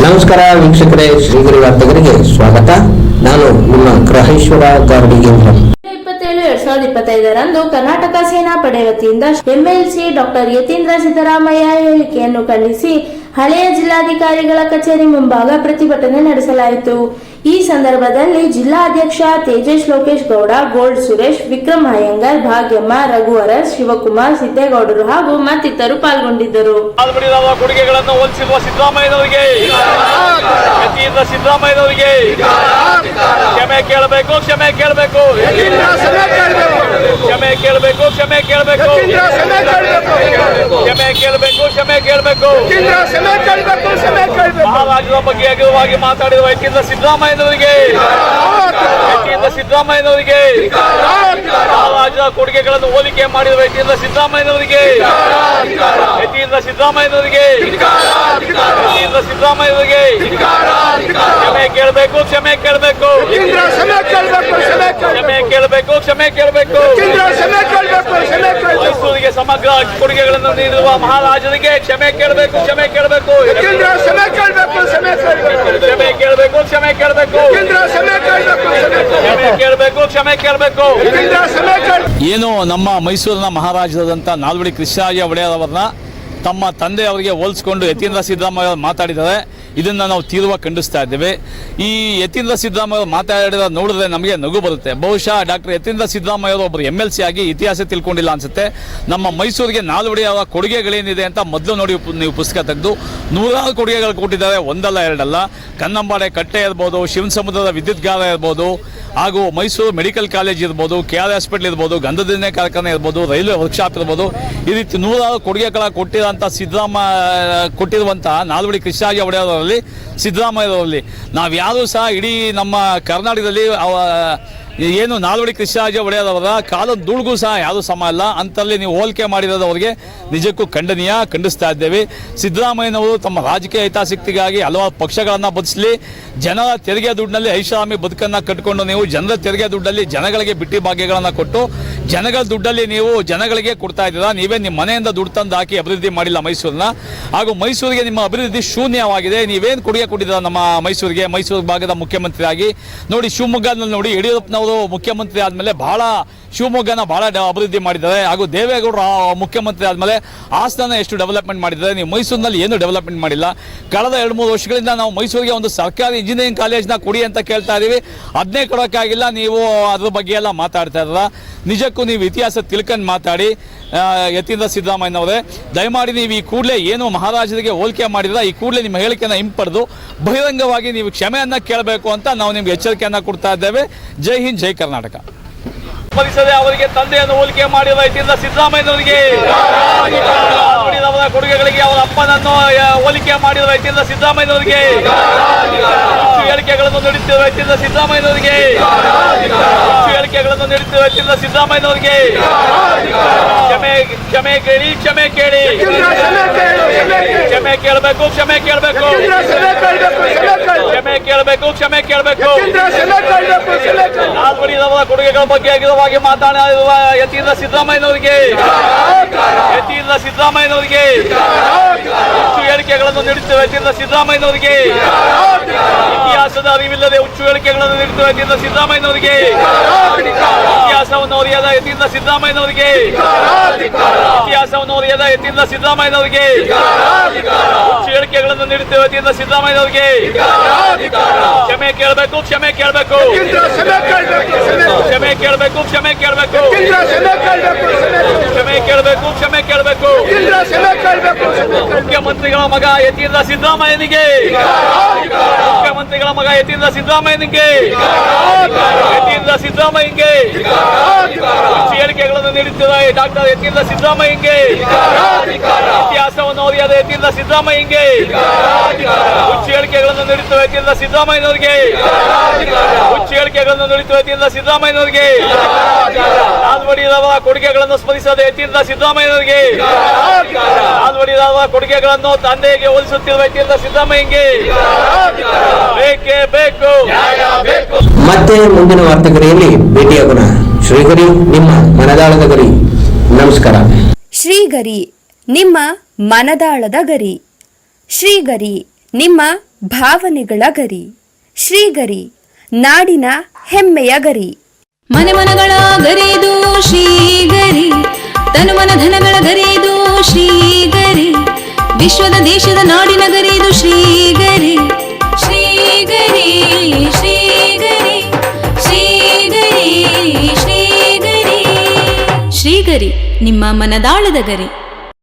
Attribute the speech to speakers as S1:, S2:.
S1: ನಮಸ್ಕಾರ ವೀಕ್ಷಕರೇ, ಶ್ರೀಗಿರಿ ವಾರ್ತೆಗರಿಗೆ ಸ್ವಾಗತ. ನಾನು ನಿಮ್ಮ ಗ್ರಹೇಶ್ವರ ಗಾರ್ಡಿಗೇಂದ್ರ.
S2: 27/2025 ಕರ್ನಾಟಕ ಸೇನಾ ಪಡೆ ವತಿಯಿಂದ ಎಂಎಲ್ಸಿ ಡಾಕ್ಟರ್ ಯತೀಂದ್ರ ಸಿದ್ದರಾಮಯ್ಯ ಹೇಳಿಕೆಯನ್ನು ಖಂಡಿಸಿ ಹಳೆಯ ಜಿಲ್ಲಾಧಿಕಾರಿಗಳ ಕಚೇರಿ ಮುಂಭಾಗ ಪ್ರತಿಭಟನೆ ನಡೆಸಲಾಯಿತು. ಈ ಸಂದರ್ಭದಲ್ಲಿ ಜಿಲ್ಲಾಧ್ಯಕ್ಷ ತೇಜಸ್ ಲೋಕೇಶ್ ಗೌಡ, ಗೋಲ್ಡ್ ಸುರೇಶ್, ವಿಕ್ರಮ್ ಅಯ್ಯಂಗಾರ್, ಭಾಗ್ಯಮ್ಮ, ರಘುವರ, ಶಿವಕುಮಾರ್, ಸಿದ್ದೇಗೌಡರು ಹಾಗೂ ಮತ್ತಿತರರು ಪಾಲ್ಗೊಂಡಿದ್ದರು.
S3: ಕೊಡುಗೆಗಳನ್ನು ಹೋಲಿಸಿರುವ ಸಿದ್ದರಾಮಯ್ಯನವರಿಗೆ, ಸಿದ್ದರಾಮಯ್ಯನವರಿಗೆ ಕ್ಷಮೆ ಕೇಳಬೇಕು, ಕ್ಷಮೆ ಕೇಳಬೇಕು, ಕ್ಷಮೆ ಕೇಳಬೇಕು, ಕ್ಷಮೆ ಕೇಳಬೇಕು, ಕ್ಷಮೆ ಕೇಳಬೇಕು, ಕ್ಷಮೆ ಕೇಳಬೇಕು. ಮಹಾರಾಜರ ಬಗ್ಗೆ ಅಗಲವಾಗಿ ಮಾತಾಡಿರುವ ಯತೀಂದ್ರ ಸಿದ್ದರಾಮಯ್ಯನವರಿಗೆ, ಸಿದ್ದರಾಮಯ್ಯನವರಿಗೆ ಮಹಾರಾಜರ ಕೊಡುಗೆಗಳನ್ನು ಹೋಲಿಕೆ ಮಾಡಿರುವ ಯತೀಂದ್ರ ಸಿದ್ದರಾಮಯ್ಯನವರಿಗೆ, ಯತೀಂದ್ರ ಸಿದ್ದರಾಮಯ್ಯನವರಿಗೆ, ಯತೀಂದ್ರ ಸಿದ್ದರಾಮಯ್ಯನವರಿಗೆ ಕ್ಷಮೆ ಕೇಳಬೇಕು, ಕ್ಷಮೆ ಕೇಳಬೇಕು, ಕ್ಷಮೆ ಕೇಳಬೇಕು, ಕ್ಷಮೆ ಕೇಳಬೇಕು. ಮೈಸೂರಿಗೆ ಸಮಗ್ರ ಕೊಡುಗೆಗಳನ್ನು ನೀಡಿರುವ ಮಹಾರಾಜರಿಗೆ ಕ್ಷಮೆ ಕೇಳಬೇಕು, ಕ್ಷಮೆ ಕೇಳಬೇಕು, ಕ್ಷಮೆ ಕೇಳಬೇಕು, ಕ್ಷಮೆ ಕೇಳಬೇಕು, ಕ್ಷಮೆ ಕೇಳಬೇಕು, ಕ್ಷಮೆ ಕೇಳಬೇಕು. ಏನು ನಮ್ಮ ಮೈಸೂರಿನ ಮಹಾರಾಜರಾದಂಥ ನಾಲ್ವಡಿ ಕೃಷ್ಣರಾಜ ಒಡೆಯರ್ ಅವರನ್ನ ತಮ್ಮ ತಂದೆಯವರಿಗೆ ಹೋಲಿಸಿಕೊಂಡು ಯತೀಂದ್ರ ಸಿದ್ದರಾಮಯ್ಯ ಮಾತಾಡಿದ್ದಾರೆ. ಇದನ್ನು ನಾವು ತೀವ್ರವಾಗಿ ಖಂಡಿಸ್ತಾ ಇದ್ದೇವೆ. ಈ ಯತೀಂದ್ರ ಸಿದ್ದರಾಮಯ್ಯ ಮಾತಾಡಿದ ನೋಡಿದ್ರೆ ನಮಗೆ ನಗು ಬರುತ್ತೆ. ಬಹುಶಃ ಡಾಕ್ಟರ್ ಯತೀಂದ್ರ ಸಿದ್ದರಾಮಯ್ಯ ಅವರು ಒಬ್ಬರು MLC ಆಗಿ ಇತಿಹಾಸ ತಿಳ್ಕೊಂಡಿಲ್ಲ ಅನ್ಸುತ್ತೆ. ನಮ್ಮ ಮೈಸೂರಿಗೆ ನಾಲ್ವಡಿ ಅವರ ಕೊಡುಗೆಗಳೇನಿದೆ ಅಂತ ಮೊದಲು ನೋಡಿ ನೀವು ಪುಸ್ತಕ ತೆಗೆದು ನೂರಾರು ಕೊಡುಗೆಗಳು ಕೊಟ್ಟಿದ್ದಾರೆ, ಒಂದಲ್ಲ ಎರಡಲ್ಲ. ಕನ್ನಂಬಾಡೆ ಕಟ್ಟೆ ಇರ್ಬೋದು, ಶಿವಸಮುದ್ರದ ವಿದ್ಯುತ್ಗಾರ ಇರ್ಬೋದು, ಹಾಗೂ ಮೈಸೂರು ಮೆಡಿಕಲ್ ಕಾಲೇಜ್ ಇರ್ಬೋದು, KR ಹಾಸ್ಪಿಟಲ್ ಇರ್ಬೋದು, ಗಂಧದೆಣ್ಣೆ ಕಾರ್ಖಾನೆ ಇರ್ಬೋದು, ರೈಲ್ವೆ ವರ್ಕ್ಶಾಪ್ ಇರ್ಬೋದು, ಈ ರೀತಿ ನೂರಾರು ಕೊಡುಗೆಗಳ ಕೊಟ್ಟಿರುವಂತಹ ನಾಲ್ವಡಿ ಕೃಷ್ಣರಾಜ ಒಡೆಯರ್ ಸಿದ್ದರಾಮಯ್ಯರವರಲ್ಲಿ ನಾವ್ಯಾರೂ ಸಹ ಇಡೀ ನಮ್ಮ ಕರ್ನಾಟಕದಲ್ಲಿ ಏನು ನಾಲ್ವಡಿ ಕೃಷ್ಣರಾಜ ಒಡೆಯರ್ ಅವರ ಕಾಲದ ಧೂಳಿಗೂ ಸಹ ಯಾರೂ ಸಮ ಅಲ್ಲ. ಅಂತಲ್ಲಿ ನೀವು ಹೋಲಿಕೆ ಮಾಡಿರೋದು ಅವರಿಗೆ ನಿಜಕ್ಕೂ ಖಂಡಿಸ್ತಾ ಇದ್ದೇವೆ. ಸಿದ್ದರಾಮಯ್ಯನವರು ತಮ್ಮ ರಾಜಕೀಯ ಹಿತಾಸಕ್ತಿಗಾಗಿ ಹಲವಾರು ಪಕ್ಷಗಳನ್ನು ಬದಲಿಸಲಿ, ಜನರ ತೆರಿಗೆ ದುಡ್ಡಿನಲ್ಲಿ ಐಷಾರಾಮಿ ಬದುಕನ್ನು ಕಟ್ಟಿಕೊಂಡು ನೀವು ಜನರ ತೆರಿಗೆ ದುಡ್ಡಲ್ಲಿ ಜನಗಳಿಗೆ ಬಿಟ್ಟಿ ಭಾಗ್ಯಗಳನ್ನು ಕೊಟ್ಟು ಜನಗಳ ದುಡ್ಡಲ್ಲಿ ನೀವು ಜನಗಳಿಗೆ ಕೊಡ್ತಾ ಇದ್ದೀರಾ. ನೀವೇ ನಿಮ್ಮ ಮನೆಯಿಂದ ದುಡ್ಡು ತಂದು ಹಾಕಿ ಅಭಿವೃದ್ಧಿ ಮಾಡಿಲ್ಲ ಮೈಸೂರನ್ನ. ಹಾಗೂ ಮೈಸೂರಿಗೆ ನಿಮ್ಮ ಅಭಿವೃದ್ಧಿ ಶೂನ್ಯವಾಗಿದೆ. ನೀವೇನು ಕೊಡುಗೆ ಕೊಟ್ಟಿದ್ದೀರಾ ನಮ್ಮ ಮೈಸೂರಿಗೆ, ಮೈಸೂರು ಭಾಗದ ಮುಖ್ಯಮಂತ್ರಿಯಾಗಿ ನೋಡಿ. ಶಿವಮೊಗ್ಗದಲ್ಲಿ ನೋಡಿ, ಯಡಿಯೂರಪ್ಪನವರು ಮುಖ್ಯಮಂತ್ರಿ ಆದಮೇಲೆ ಬಹಳ ಶಿವಮೊಗ್ಗನ ಬಹಳ ಅಭಿವೃದ್ಧಿ ಮಾಡಿದ್ದಾರೆ. ಹಾಗೂ ದೇವೇಗೌಡರು ಮುಖ್ಯಮಂತ್ರಿ ಆದಮೇಲೆ ಹಾಸನ ಎಷ್ಟು ಡೆವಲಪ್ಮೆಂಟ್ ಮಾಡಿದ್ದಾರೆ. ನೀವು ಮೈಸೂರಿನಲ್ಲಿ ಏನು ಡೆವಲಪ್ಮೆಂಟ್ ಮಾಡಿಲ್ಲ. ಕಳೆದ 2-3 ವರ್ಷಗಳಿಂದ ನಾವು ಮೈಸೂರಿಗೆ ಒಂದು ಸರ್ಕಾರಿ ಇಂಜಿನಿಯರಿಂಗ್ ಕಾಲೇಜ್ನ ಕೊಡಿ ಅಂತ ಕೇಳ್ತಾ ಇದ್ದೀವಿ, ಅದನ್ನೇ ಕೊಡೋಕ್ಕಾಗಿಲ್ಲ. ನೀವು ಅದ್ರ ಬಗ್ಗೆ ಎಲ್ಲ ಮಾತಾಡ್ತಾ ಇದ್ದೀರ. ನಿಜಕ್ಕೂ ನೀವು ಇತಿಹಾಸ ತಿಳ್ಕೊಂಡು ಮಾತಾಡಿ. ಯತೀಂದ್ರ ಸಿದ್ದರಾಮಯ್ಯನವರೇ, ದಯಮಾಡಿ ನೀವು ಈ ಕೂಡಲೇ ಏನು ಮಹಾರಾಜರಿಗೆ ಹೋಲಿಕೆ ಮಾಡಿದ್ರೆ ಈ ಕೂಡಲೇ ನಿಮ್ಮ ಹೇಳಿಕೆಯನ್ನು ಹಿಂಪಡೆದು ಬಹಿರಂಗವಾಗಿ ನೀವು ಕ್ಷಮೆಯನ್ನು ಕೇಳಬೇಕು ಅಂತ ನಾವು ನಿಮ್ಗೆ ಎಚ್ಚರಿಕೆಯನ್ನು ಕೊಡ್ತಾ ಇದ್ದೇವೆ. ಜೈ ಹಿಂದ್, ಜೈ ಕರ್ನಾಟಕ. ಅವರಿಗೆ ತಂದೆಯನ್ನು ಹೋಲಿಕೆ ಮಾಡಿರುವ ಯತೀಂದ್ರ ಸಿದ್ದರಾಮಯ್ಯನವರಿಗೆ, ಅವರ ಕೊಡುಗೆಗಳಿಗೆ ಅವರ ಅಪ್ಪನನ್ನು ಹೋಲಿಕೆ ಮಾಡಿರುವ ಯತೀಂದ್ರ ಸಿದ್ದರಾಮಯ್ಯನವರಿಗೆ, ಹೇಳಿಕೆಗಳನ್ನು ನೀಡುತ್ತಿರುವ ಯತೀಂದ್ರ ಸಿದ್ದರಾಮಯ್ಯನವರಿಗೆ, ಹೇಳಿಕೆಗಳನ್ನು ನೀಡುತ್ತಿರುವ ಯತೀಂದ್ರ ಸಿದ್ದರಾಮಯ್ಯನವರಿಗೆ ಕ್ಷಮೆ ಕೇಳಿ, ಕ್ಷಮೆ ಕೇಳಿ, ಕ್ಷಮೆ ಕೇಳಬೇಕು, ಕ್ಷಮೆ ಕೇಳಬೇಕು, ಕ್ಷಮೆ ಕೇಳಬೇಕು, ಕ್ಷಮೆ ಕೇಳಬೇಕು. ನಾಲ್ವಡಿಯವರ ಕೊಡುಗೆಗಳ ಬಗ್ಗೆ ಅಗಿರವಾಗಿ ಮಾತನಾಡಿರುವ ಯತೀಂದ್ರ ಸಿದ್ದರಾಮಯ್ಯನವರಿಗೆ, ಯತೀಂದ್ರ ಸಿದ್ದರಾಮಯ್ಯನವರಿಗೆ ಹುಚ್ಚು ಹೇಳಿಕೆಗಳನ್ನು ನೀಡುತ್ತಿರುವ ಯತೀಂದ್ರ ಸಿದ್ದರಾಮಯ್ಯನವರಿಗೆ, ಇತಿಹಾಸದ ಅರಿವಿಲ್ಲದೆ ಹುಚ್ಚು ಹೇಳಿಕೆಗಳನ್ನು ನೀಡುತ್ತಿರುವ ಯತೀಂದ್ರ ಸಿದ್ದರಾಮಯ್ಯನವರಿಗೆ, ಇತಿಹಾಸವನ್ನು ಅರಿಯದ ಯತೀಂದ್ರ ಸಿದ್ದರಾಮಯ್ಯನವರಿಗೆ, ಇತಿಹಾಸವನ್ನು ಅರಿಯದ ಯತೀಂದ್ರ ಸಿದ್ದರಾಮಯ್ಯನವರಿಗೆ, ಹುಚ್ಚು ಹೇಳಿಕೆಗಳನ್ನು ನೀಡುತ್ತಿರುವ ಯತೀಂದ್ರ ಸಿದ್ದರಾಮಯ್ಯನವರಿಗೆ ಕ್ಷಮೆ ಕೇಳಬೇಕು, ಕ್ಷಮೆ ಕೇಳಬೇಕು, ಕ್ಷಮೆ ಕೇಳಬೇಕು, ಕ್ಷಮೆ ಕೇಳಬೇಕು, ಕ್ಷಮೆ ಕೇಳಬೇಕು, ಕ್ಷಮೆ ಕೇಳಬೇಕು. ಮುಖ್ಯಮಂತ್ರಿಗಳ ಮಗ ಯತೀಂದ್ರ ಸಿದ್ದರಾಮಯ್ಯನಿಗೆ, ಮುಖ್ಯಮಂತ್ರಿಗಳ ಮಗ ಯತೀಂದ್ರ ಸಿದ್ದರಾಮಯ್ಯನಿಗೆ, ಯತೀಂದ್ರ ಸಿದ್ದರಾಮಯ್ಯನಿಗೆ ಹೇಳಿಕೆಗಳನ್ನು ನೀಡುತ್ತಿರುವ ಡಾಕ್ಟರ್ ಯತೀಂದ್ರ ಸಿದ್ದರಾಮಯ್ಯನಿಗೆ, ಇತಿಹಾಸವನ್ನು ಓದಿಯಾದ ಯತೀಂದ್ರ ಸಿದ್ದರಾಮಯ್ಯನಿಗೆ ಹುಚ್ಚು ಹೇಳಿಕೆಗಳನ್ನು ನೀಡುತ್ತಿರುವ ಯತೀಂದ್ರ ಸಿದ್ದರಾಮಯ್ಯನವರಿಗೆ, ಹುಚ್ಚು ಹೇಳಿಕೆಗಳನ್ನು ನೀಡುತ್ತಿರುವ ಯತೀಂದ್ರ ಸಿದ್ದರಾಮಯ್ಯನವರಿಗೆ, ನಾಲ್ವಡಿಯವರ ಕೊಡುಗೆಗಳನ್ನು ಸ್ಮರಿಸದ ಯತೀಂದ್ರ ಸಿದ್ದರಾಮಯ್ಯನವರಿಗೆ, ನಾಲ್ವಡಿಯವರ ಕೊಡುಗೆಗಳನ್ನು ತಂದೆಗೆ ಹೋಲಿಸುತ್ತಿರುವ ಯತೀಂದ್ರ ಸಿದ್ದರಾಮಯ್ಯನಿಗೆ ಬೇಕೇ ಬೇಕು.
S1: ಮತ್ತೆ ಮುಂದಿನ ವಾರ್ತೆಗರಿಯಲ್ಲಿ ಭೇಟಿಯಾಗೋಣ. ಶ್ರೀಗರಿ, ನಿಮ್ಮ ಮನದಾಳದ ಗರಿ. ನಮಸ್ಕಾರ.
S4: ಶ್ರೀಗರಿ, ನಿಮ್ಮ ಮನದಾಳದ ಗರಿ. ಶ್ರೀಗರಿ, ನಿಮ್ಮ ಭಾವನೆಗಳ ಗರಿ. ಶ್ರೀಗರಿ ನಾಡಿನ ಹೆಮ್ಮೆಯ ಗರಿ.
S5: ಮನೆ ಮನಗಳ ಗರಿದು ಶ್ರೀಗರಿ, ತನು ಮನ ಧನಗಳ ಗರಿದು ಶ್ರೀಗರಿ, ವಿಶ್ವದ ದೇಶದ ನಾಡಿನ ಗರಿದು ಶ್ರೀಗರಿ. ಶ್ರೀಗರಿ ಶ್ರೀಗರಿ ಶ್ರೀಗರಿ ಶ್ರೀಗರಿ ಶ್ರೀಗರಿ ನಿಮ್ಮ ಮನದಾಳದ ಗರಿ.